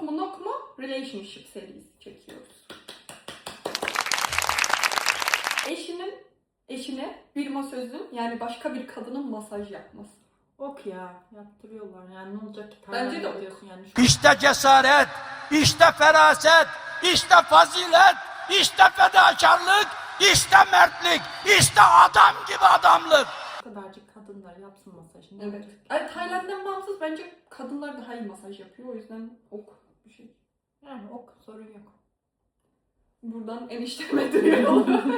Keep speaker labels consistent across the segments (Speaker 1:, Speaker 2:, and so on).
Speaker 1: Ok mu nok mu? Relationship serisi çekiyoruz. Eşine bir masözün yani başka bir kadının masaj yapması.
Speaker 2: Ok ya. Yaptırıyorlar. Yani ne olacak ki?
Speaker 1: Bence de ok.
Speaker 2: Diyorsun yani.
Speaker 3: İşte cesaret, işte feraset, işte fazilet, işte fedakarlık, işte mertlik, işte adam gibi adamlık.
Speaker 2: Bu kadarcık kadınlar yapsın masajını.
Speaker 1: Evet. Ay, Tayland'dan bağımsız bence kadınlar daha iyi masaj yapıyor. O yüzden ok bir şey.
Speaker 2: Yani ok, sorun yok.
Speaker 1: Buradan enişteme duyuyorum.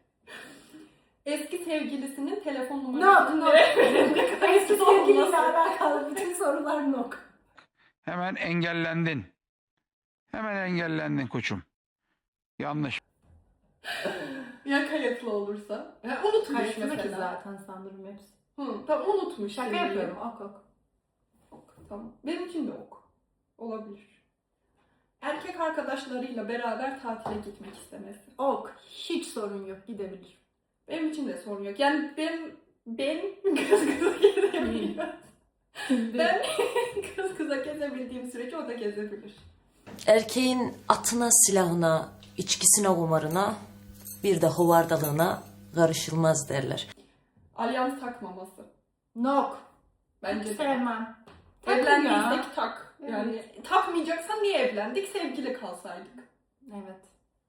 Speaker 1: Eski sevgilisinin telefon numarasını
Speaker 2: Eski sevgiliyle alakalı bütün sorular nok.
Speaker 3: Hemen engellendin. Hemen engellendin koçum. Yanlış.
Speaker 1: Ya kayıtlı olursa? Ya unutmuş
Speaker 2: Kayıtlı ki
Speaker 1: mesela.
Speaker 2: zaten sanırım hepsi.
Speaker 1: Tamam unutmuş.
Speaker 2: Şaka
Speaker 1: sevgili.
Speaker 2: yapıyorum. Ok ok.
Speaker 1: Ok, tamam. Benim için de ok. Olabilir. Erkek arkadaşlarıyla beraber tatile gitmek istemesi.
Speaker 2: Ok. Hiç sorun yok. Gidebilir.
Speaker 1: Benim için de sorun yok. Yani ben kız kıza gezebiliyorum. Ben kız kıza gezebildiğim sürece o da gezebilir.
Speaker 4: Erkeğin atına, silahına, içkisine, kumarına, bir de hovardalığına karışılmaz derler.
Speaker 1: Alyans takmaması.
Speaker 2: Nok.
Speaker 1: Bence de.
Speaker 2: Sevmem. Takın ya.
Speaker 1: Evlendiysek tak.
Speaker 2: Evet.
Speaker 1: Yani takmayacaksan niye evlendik? Sevgili kalsaydık.
Speaker 2: Evet.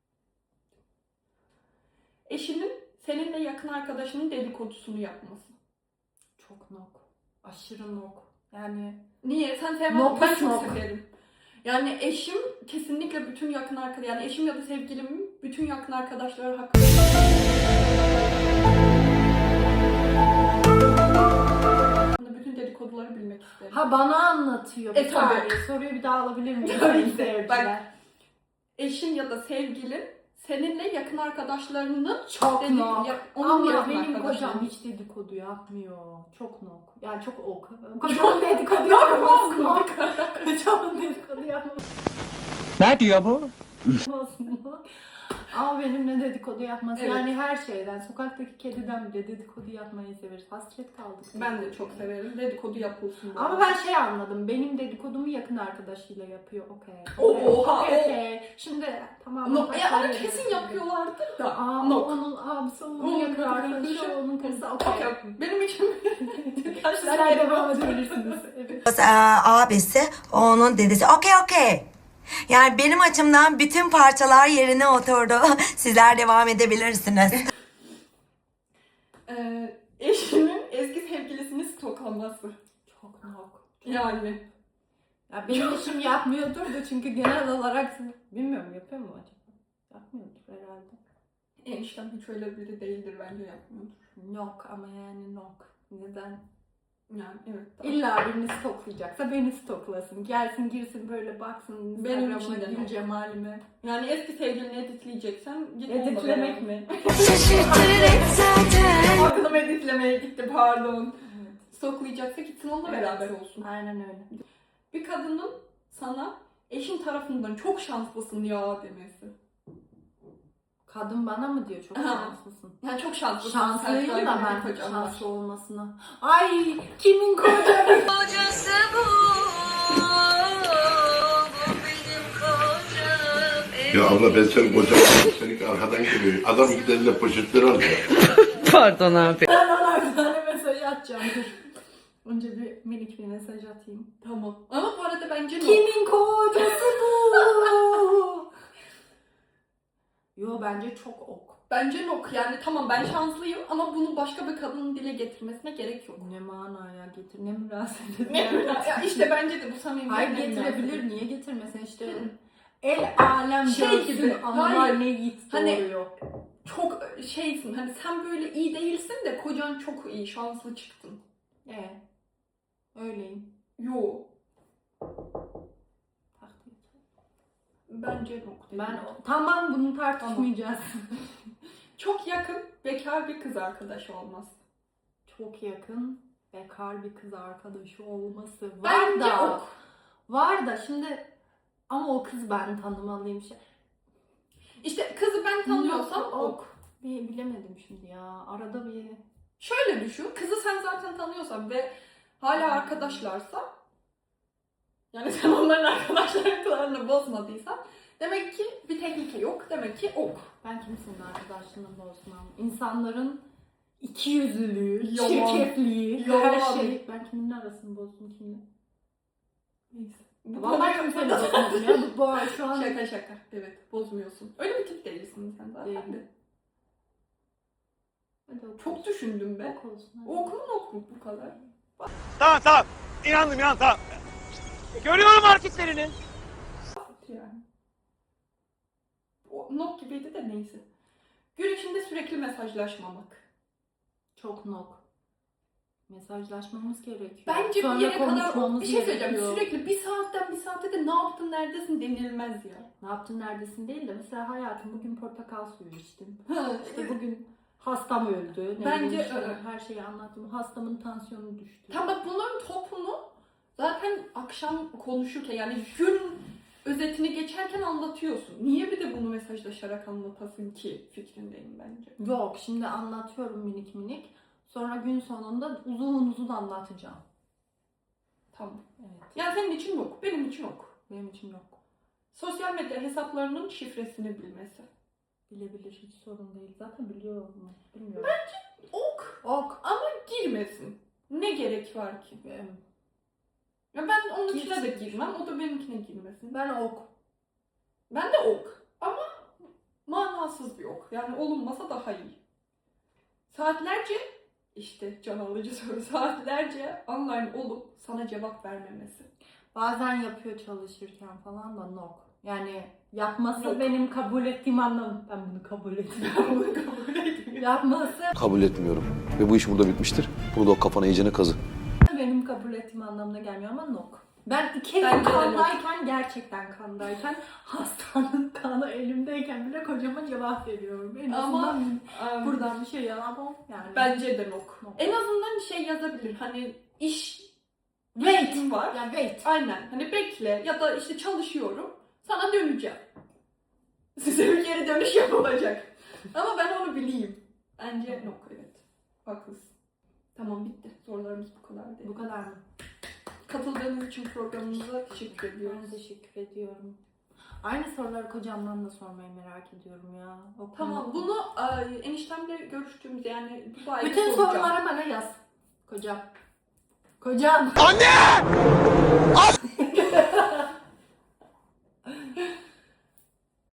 Speaker 1: Eşinin seninle yakın arkadaşının dedikodusunu yapması.
Speaker 2: Çok nok. Aşırı nok. Yani
Speaker 1: Niye? Sen sevmez.
Speaker 2: Nok,
Speaker 1: Ben çok
Speaker 2: nok.
Speaker 1: severim. Yani eşim kesinlikle bütün yakın arkadaş, yani eşim ya da sevgilimin bütün yakın arkadaşları hakkında bütün dedikoduları bilmek isterim.
Speaker 2: ha bana anlatıyor. Bir
Speaker 1: tabii.
Speaker 2: saniye. Soruyu bir daha alabilir miyim?
Speaker 1: Tabii
Speaker 2: Sayın
Speaker 1: ki.
Speaker 2: seyirciler?
Speaker 1: Bak, eşin ya da sevgilin seninle yakın arkadaşlarının
Speaker 2: Çok nok.
Speaker 1: onun
Speaker 2: Ama
Speaker 1: yakın
Speaker 2: benim
Speaker 1: arkadaşları.
Speaker 2: kocam hiç dedikodu yapmıyor. Çok nok. Yani çok ok. Kocamın dedikodu yapması nok. Kocamın dedikodu yapması
Speaker 3: Ne diyor bu?
Speaker 2: nok. Ama benimle dedikodu yapması.
Speaker 1: Evet.
Speaker 2: Yani her şeyden. Sokaktaki kediden bile dedikodu yapmayı severiz. Hasret kaldık.
Speaker 1: Ben de çok severim. Dedikodu yapılsın.
Speaker 2: Ama ben şey anladım. Benim dedikodumu yakın arkadaşıyla yapıyor. Okey.
Speaker 1: Oha,
Speaker 2: Okey. Şimdi tamam.
Speaker 1: No, ya onu kesin yapıyorlardır da.
Speaker 2: Aa,
Speaker 1: Nok.
Speaker 2: onun abisi, onun
Speaker 1: Onun
Speaker 2: yakın
Speaker 1: arkadaşı,
Speaker 2: arkadaşı, onun karısı. Okey.
Speaker 1: Okey. Benim için
Speaker 2: Sizler devam edebilirsiniz. Evet.
Speaker 5: Abisi, onun dedesi. Okey. Yani benim açımdan bütün parçalar yerine oturdu. Sizler devam edebilirsiniz.
Speaker 1: Eşinin eski sevgilisini stoklaması.
Speaker 2: Çok nok.
Speaker 1: Yani.
Speaker 2: Ya benim işim yapmıyordur da çünkü genel olarak bilmiyorum yapıyor mu acaba? Yapmıyordur herhalde.
Speaker 1: Eniştem hiç öyle biri değildir, bence yapmıyordur.
Speaker 2: Nok ama yani nok. Neden?
Speaker 1: Yani evet. Tamam.
Speaker 2: İlla birini stoklayacaksa beni stoklasın. Gelsin girsin böyle baksın
Speaker 1: Benim
Speaker 2: Instagram'a,
Speaker 1: için de
Speaker 2: gül
Speaker 1: nok.
Speaker 2: cemalime.
Speaker 1: Yani eski sevgilini editleyeceksen git
Speaker 2: Editlemek mi?
Speaker 1: Aklım editlemeye gitti, pardon.
Speaker 2: Evet.
Speaker 1: Stoklayacaksa gitsin onunla
Speaker 2: Evet.
Speaker 1: beraber olsun.
Speaker 2: Aynen öyle.
Speaker 1: Bir kadının sana eşin tarafından çok şanslısın ya demesi.
Speaker 2: Kadın bana mı diyor çok
Speaker 1: Aha.
Speaker 2: şanslısın?
Speaker 1: Yani çok şanslısın.
Speaker 2: Şanslıyım
Speaker 1: Sen
Speaker 2: da
Speaker 1: sahibi
Speaker 2: ben
Speaker 1: bir kocan var.
Speaker 2: şanslı olmasına. Ay kimin kocası?
Speaker 4: Kocası bu benim kocam.
Speaker 6: Ya abla ben senin kocan seni arkadan geliyor. Adam giderle poşetleri alıyor.
Speaker 4: Pardon abi.
Speaker 2: Ben ona bir tane mesaj atacağım. Dur. Önce bir minik bir mesaj atayım.
Speaker 1: Tamam. Ama bu arada bence
Speaker 2: Kimin kocası bu? Yo bence çok ok.
Speaker 1: Bence nok. Yani tamam ben şanslıyım ama bunu başka bir kadının dile getirmesine gerek yok.
Speaker 2: Ne manaya getir, ne münasebet.
Speaker 1: Ne? Ya işte bence de bu samimi.
Speaker 2: Hayır getirebilir, niye getirmesin işte. El alem
Speaker 1: Şey
Speaker 2: görsün,
Speaker 1: gibi,
Speaker 2: analar
Speaker 1: hayır.
Speaker 2: ne yiğit
Speaker 1: Hani-
Speaker 2: doğuruyor.
Speaker 1: Çok şeysin, hani sen böyle iyi değilsin de kocan çok iyi, şanslı çıktın.
Speaker 2: Öyleyim.
Speaker 1: Yo.
Speaker 2: Takdir.
Speaker 1: Bence nok.
Speaker 2: Tamam bunu tartışmayacağız.
Speaker 1: Çok yakın bekar bir kız arkadaşı olmaz.
Speaker 2: Çok yakın bekar bir kız arkadaşı olması var
Speaker 1: Bence
Speaker 2: da.
Speaker 1: ok.
Speaker 2: Var da şimdi ama o kız ben tanımalıyım.
Speaker 1: İşte kızı ben tanıyorsam ok.
Speaker 2: Bilemedim şimdi ya. Arada bir
Speaker 1: Şöyle düşün, kızı sen zaten tanıyorsan ve hala arkadaşlarsa, yani sen onların arkadaşlarıyla arkadaşlığını bozmadıysan demek ki bir tehlike yok. Demek ki ok.
Speaker 2: Ben kimsenin arkadaşlığını bozmam. İnsanların ikiyüzlülüğü,
Speaker 1: Yalan.
Speaker 2: çirkefliği,
Speaker 1: Yalan.
Speaker 2: her şey. Ben kimin arasını bozdum kimle?
Speaker 1: Neyse.
Speaker 2: Vallahi kimseyle bozmadım ya. Bu şu an
Speaker 1: Şaka şaka. Evet, bozmuyorsun. Öyle bir tip değilsin sen zaten
Speaker 2: Değilim.
Speaker 1: de.
Speaker 2: Hadi ok
Speaker 1: Çok
Speaker 2: olsun.
Speaker 1: düşündüm be.
Speaker 2: Ok olsun. hadi.
Speaker 1: Ok mu ok mu bu kadar?
Speaker 7: Tamam. İnandım tamam. Görüyorum hareketlerini.
Speaker 1: Yani. O nok gibiydi de neyse. Gün içinde sürekli mesajlaşmamak.
Speaker 2: Çok nok. Mesajlaşmamız gerekiyor.
Speaker 1: Bence
Speaker 2: Sonra
Speaker 1: bir yere kadar
Speaker 2: konuşmamız
Speaker 1: bir şey söyleyeceğim.
Speaker 2: gerekiyor.
Speaker 1: Sürekli bir saatten bir saate de ne yaptın neredesin denilmez ya.
Speaker 2: Ne yaptın neredesin değil de mesela hayatım bugün portakal suyu içtim.
Speaker 1: Ha,
Speaker 2: İşte bugün hastam öldü. Ne
Speaker 1: Bence
Speaker 2: bileyim işte
Speaker 1: öyle.
Speaker 2: her şeyi anlattım. Hastamın tansiyonu düştü.
Speaker 1: Tam bak bunların topunu zaten akşam konuşurken yani gün özetini geçerken anlatıyorsun. Niye bir de bunu mesajlaşarak anlatasın ki fikrindeyim bence.
Speaker 2: Yok şimdi anlatıyorum minik minik. Sonra gün sonunda uzun uzun anlatacağım.
Speaker 1: Tamam.
Speaker 2: Evet.
Speaker 1: Yani senin için yok, benim için yok.
Speaker 2: Benim için yok.
Speaker 1: Sosyal medya hesaplarının şifresini bilmesi.
Speaker 2: Bilebilir hiç sorun değil. Zaten biliyorum. Bilmiyorum.
Speaker 1: Ok
Speaker 2: Ok.
Speaker 1: ama girmesin. Ne gerek var ki? Ya ben onun içine de girmem, o da benimkine girmesin.
Speaker 2: Ben ok.
Speaker 1: Ben de ok ama manasız bir ok. Yani olunmasa daha iyi. Saatlerce işte can alıcı soru saatlerce online olup sana cevap vermemesi.
Speaker 2: Bazen yapıyor çalışırken falan da nok. Yani yapması
Speaker 1: Yok.
Speaker 2: benim kabul ettiğim anlam. Ben bunu kabul etmiyorum.
Speaker 1: Bunu kabul etmiyorum.
Speaker 2: Yapması
Speaker 8: Kabul etmiyorum. Ve bu iş burada bitmiştir. Bunu da o kafana iyicene kazı.
Speaker 2: benim kabul ettiğim anlamına gelmiyor ama nok. Ben 2
Speaker 1: Bence
Speaker 2: yıl
Speaker 1: de
Speaker 2: kandayken, gerçekten kandayken, hastanın kanı elimdeyken bile kocama cevap veriyorum. En
Speaker 1: Ama
Speaker 2: azından buradan bir şey alamam yani.
Speaker 1: bence de nok.
Speaker 2: Nok.
Speaker 1: En azından şey yazabilir. Hani iş
Speaker 2: wait
Speaker 1: var.
Speaker 2: yani wait.
Speaker 1: Aynen. Hani bekle ya da işte çalışıyorum. Sana döneceğim. Size bir geri dönüş yapılacak. Ama ben onu bileyim. Bence nok evet. Haklısın. Tamam bitti. Sorularımız bu kadar değil.
Speaker 2: Bu kadar mı?
Speaker 1: Katıldığınız için programımıza teşekkür ediyoruz.
Speaker 2: Ben teşekkür ediyorum. Aynı soruları kocamdan da sormayı merak ediyorum ya. O
Speaker 1: Tamam
Speaker 2: konu-
Speaker 1: bunu eniştemle görüştüğümüz yani bu sayede
Speaker 2: Bütün
Speaker 1: soracağım.
Speaker 2: soruları bana yaz. Kocam. Kocam.
Speaker 7: Anne!